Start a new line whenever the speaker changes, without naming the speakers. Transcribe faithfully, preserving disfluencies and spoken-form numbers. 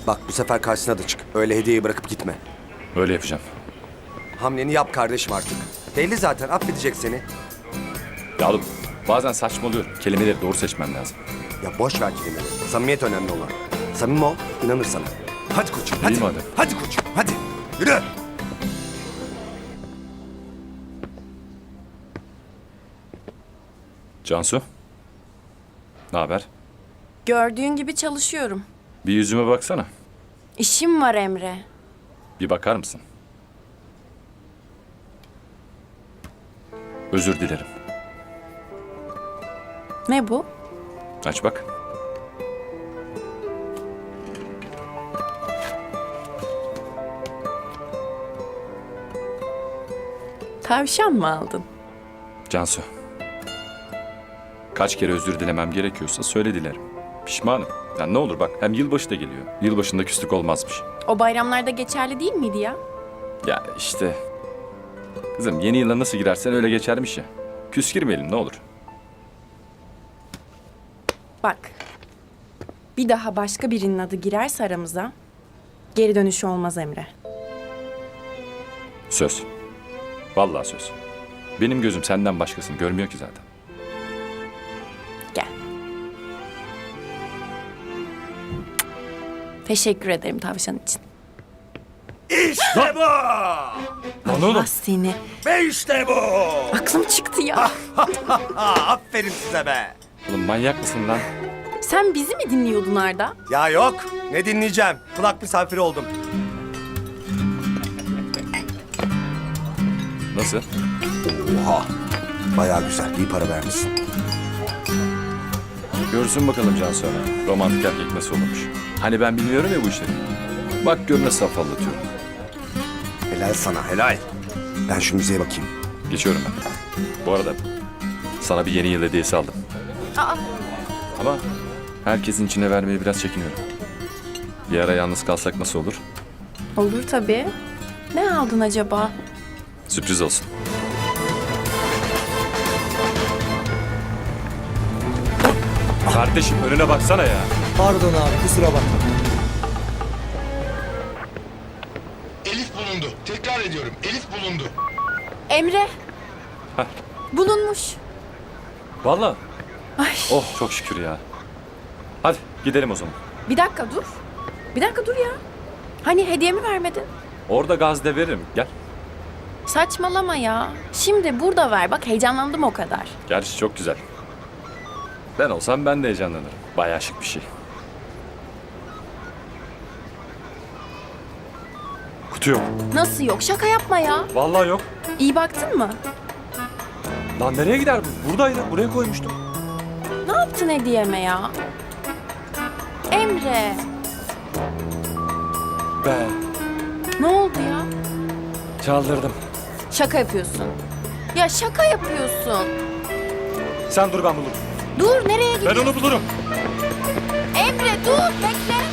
Bak bu sefer karşısına da çık. Öyle hediyeyi bırakıp gitme.
Öyle yapacağım.
Hamleni yap kardeşim artık. Belli zaten affedecek seni.
Ya oğlum bazen saçmalıyorum. Kelimeleri doğru seçmem lazım.
Ya boş ver kelimeleri. Samimiyet önemli olan. Samimi ol, inanır sana. Hadi koçum, hadi.
İyi madem.
Hadi koçum, hadi. Yürü.
Cansu. Ne haber?
Gördüğün gibi çalışıyorum.
Bir yüzüme baksana.
İşim var Emre.
Bir bakar mısın? Özür dilerim.
Ne bu?
Aç bak.
Tavşan mı aldın?
Cansu. Kaç kere özür dilemem gerekiyorsa söyle dilerim. Pişmanım. Yani ne olur bak hem yılbaşı da geliyor. Yılbaşında küslük olmazmış.
O bayramlarda geçerli değil miydi ya?
Ya işte. Kızım yeni yıla nasıl girersen öyle geçermiş ya. Küs girmeyelim ne olur.
Bak. Bir daha başka birinin adı girerse aramıza geri dönüşü olmaz Emre.
Söz. Vallahi söz. Benim gözüm senden başkasını görmüyor ki zaten.
Gel. Teşekkür ederim tavşan için.
İşte bu.
Lan oğlum.
Allah seni.
Ve işte bu.
Aklım çıktı ya.
Aferin size be.
Oğlum manyak mısın lan?
Sen bizi mi dinliyordun Arda?
Ya yok. Ne dinleyeceğim? Kulak misafiri oldum.
Nasıl?
Oha. Bayağı güzel. İyi para vermişsin.
Görsün bakalım Cansu Ana. Romantik erkek nasıl olurmuş. Hani ben bilmiyorum ya bu işleri. Bak gör nasıl afallatıyorum.
Helal sana helal. Ben şu müziğe bakayım.
Geçiyorum ben. Bu arada sana bir yeni yıl hediyesi aldım.
Aa,
Ama herkesin içine vermeye biraz çekiniyorum. Bir ara yalnız kalsak nasıl olur?
olur tabii. Ne aldın acaba?
Sürpriz olsun. Kardeşim önüne baksana ya.
Pardon abi kusura bakma.
Elif bulundu. Tekrar ediyorum. Elif bulundu.
Emre.
Heh.
Bulunmuş.
Vallahi.
Ay.
Oh çok şükür ya. Hadi gidelim o zaman.
Bir dakika dur. Bir dakika dur ya. Hani hediyemi vermedin?
Orada gazde veririm. Gel.
Saçmalama ya. Şimdi burada ver. Bak heyecanlandım o kadar.
Gerçi çok güzel. Ben olsam ben de heyecanlanırım. Bayağı şık bir şey. Kutu yok.
Nasıl yok? Şaka yapma ya.
Vallahi yok.
İyi baktın mı?
Lan nereye gider bu? Buradaydı. Buraya koymuştum.
Ne yaptın hediyeme ya? Emre.
Be.
Ne oldu ya?
Çaldırdım.
Şaka yapıyorsun. Ya şaka yapıyorsun.
Sen dur ben bulurum.
Dur nereye gidiyorsun?
Ben onu bulurum.
Emre dur bekle.